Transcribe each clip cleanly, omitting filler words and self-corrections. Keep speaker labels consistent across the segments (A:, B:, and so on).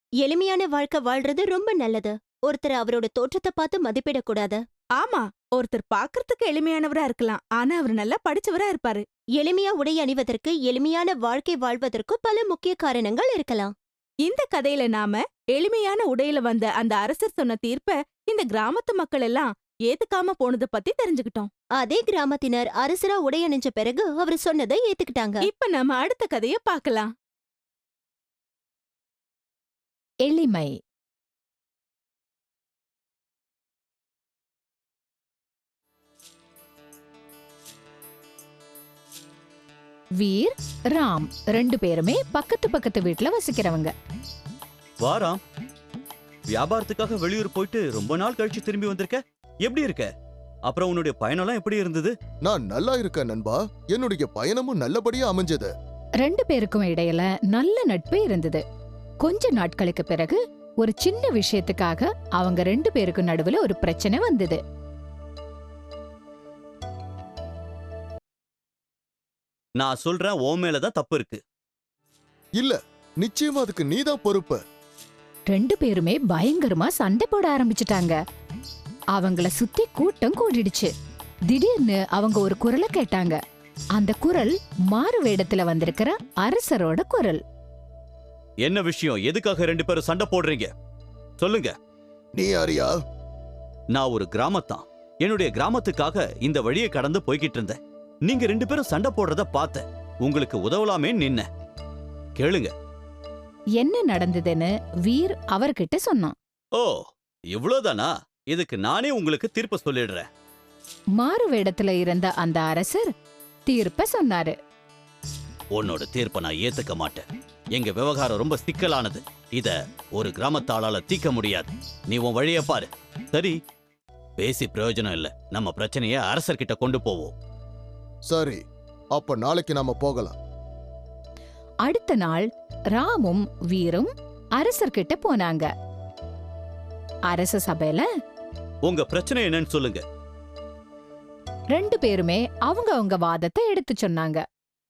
A: எளிமையான வாழ்க்கை வாழ்றது ரொம்ப நல்லது. ஒருத்தர் அவரோட தோற்றத்தை பார்த்து மதிப்பிடக்கூடாது.
B: ஆமா, ஒருத்தர் பாக்குறதுக்கு எளிமையானவரா இருக்கலாம், ஆனா அவர் நல்லா படிச்சவரா இருப்பாரு.
A: எளிமையா உடை அணிவதற்கு, எளிமையான வாழ்க்கை வாழ்வதற்கு பல முக்கிய காரணங்கள் இருக்கலாம்.
B: இந்த கதையில நாம எளிமையான உடையில வந்த அந்த அரசர் சொன்ன தீர்ப்ப இந்த கிராமத்து மக்கள் எல்லாம் ஏத்துக்காம போனத பத்தி தெரிஞ்சுக்கிட்டோம்.
A: அதே கிராமத்தினர் அரசரா உடை அணிஞ்ச பிறகு அவர் சொன்னதை ஏத்துக்கிட்டாங்க.
B: இப்ப நம்ம அடுத்த கதைய பார்க்கலாம்.
C: எளிமை. வீர், ராம் 2 பேருமே பக்கத்து வீட்ல வசிக்கிறவங்க.
D: வாராம், வியாபாரத்துக்காக வெளியூர் போயிட்டு ரொம்ப நாள் கழிச்சு திரும்பி வந்திருக்க. எப்படி இருக்க? அப்புறம் உன்னுடைய பயணம்லாம் எப்படி இருந்தது?
E: நான் நல்லா இருக்கேன் நண்பா. என்னுடைய பயணமும் நல்லபடியா அமைஞ்சது.
C: 2 பேருக்கும் இடையில நல்ல நட்பு இருந்தது. கொஞ்ச நாட்களுக்கு பிறகு ஒரு சின்ன விஷயத்துக்காக அவங்க 2 பேருக்கும் நடுவுல ஒரு பிரச்சனை வந்தது.
D: நான் சொல்றேன், உன் மேலதான் தப்பு இருக்கு.
E: இல்ல, நிச்சயமா அதுக்கு நீதான் பொறுப்பு.
C: 2 பேருமே பயங்கரமா சண்டை போட ஆரம்பிச்சிட்டாங்க. அவங்கள சுத்தி கூட்டம் கூடிடுச்சு. திடீர்னு அவங்க ஒரு குரலை கேட்டாங்க. அந்த குரல் மாறு வேடத்துல வந்திருக்கிற அரசரோட குரல்.
D: என்ன விஷயம்? எதுக்காக 2 பேரும் சண்டை போடுறீங்க? சொல்லுங்க.
E: நீ யாரியா?
D: நான் ஒரு கிராமத்தான். என்னுடைய கிராமத்துக்காக இந்த வழியை கடந்து போய்கிட்டு இருந்தேன். நீங்க 2 பேரும் சண்டை போடுறத பார்த்தேன். உங்களுக்கு உதவலாமே நின்ன. கேளுங்க.
C: என்ன நடந்ததுன்னு வீர் அவர்கிட்ட சொன்னான்.
D: ஓ, இவ்வளவுதானா? இதுக்கு நானே உங்களுக்கு தீர்ப்பு சொல்லிடுறேன்.
C: மாறு வேடத்துல இருந்த அந்த அரசர் தீர்ப்ப சொன்னாரு.
D: உன்னோட தீர்ப்பை நான் ஏத்துக்க மாட்டேன். எங்க விவகாரம் ரொம்ப சிக்கலானது. இத ஒரு கிராமத்தாளால தீர்க்க முடியாது. நீ உன் வழிய பாரு. சரி, பேசி பிரயோஜனம் இல்ல. நம்ம பிரச்சனைய அரசர்கிட்ட கொண்டு போவோம்.
E: சரி, அப்ப நாளைக்கு நாம போகலாம்.
C: அடுத்த நாள் ராமும் வீரும் அரசர்கிட்ட போனாங்க. அரச சபையில
D: உங்க பிரச்சனை என்னன்னு சொல்லுங்க.
C: 2 பேருமே அவங்க வாதத்தை எடுத்து சொன்னாங்க.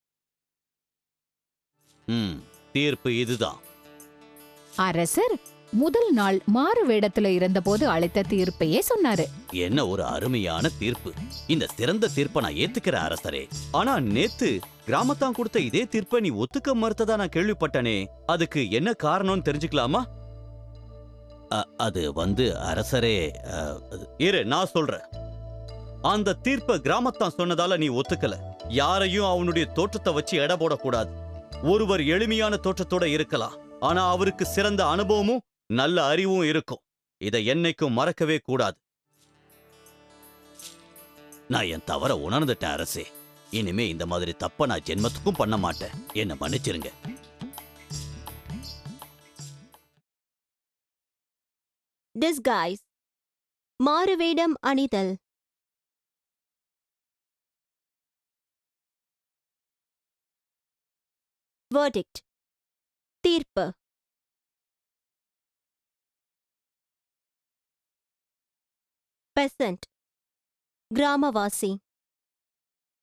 D: தீர்ப்பு இதுதான்.
C: அரசர் முதல் நாள் மாறு வேடத்துல இருந்தபோது அளித்த தீர்ப்பையே சொன்னாரு.
D: என்ன ஒரு அருமையான தீர்ப்பு. இந்த சிறந்த தீர்ப்பை நான் ஏத்துக்கிற அரசரே. ஆனா நேத்து கிராமத்தான் கொடுத்த இதே தீர்ப்பை நீ ஒத்துக்க மறுத்ததா நான் கேள்விப்பட்டனே. அதுக்கு என்ன காரணம்னு தெரிஞ்சுக்கலாமா? அது அரசரே, இரு நான் சொல்றேன். அந்த தீர்ப்பை கிராமத்தான் சொன்னதால நீ ஒத்துக்கல. யாரையும் அவனுடைய தோற்றத்தை வச்சு எடை போடக்கூடாது. ஒருவர் எளிமையான தோற்றத்தோட இருக்கலாம், ஆனா அவருக்கு சிறந்த அனுபவமும் நல்ல அறிவும் இருக்கும். இதை என்னைக்கும் மறக்கவே கூடாது. நான் என் தவற உணர்ந்துட்டேன் அரசே. இனிமே இந்த மாதிரி தப்ப நான் ஜென்மத்துக்கும் பண்ண மாட்டேன். என்ன மன்னிச்சிருங்க.
A: டிஸ்கைஸ், மாறுவேடம் அணிதல். வெர்டிக்ட், தீர்ப்பு. பெசன்ட், கிராமவாசி.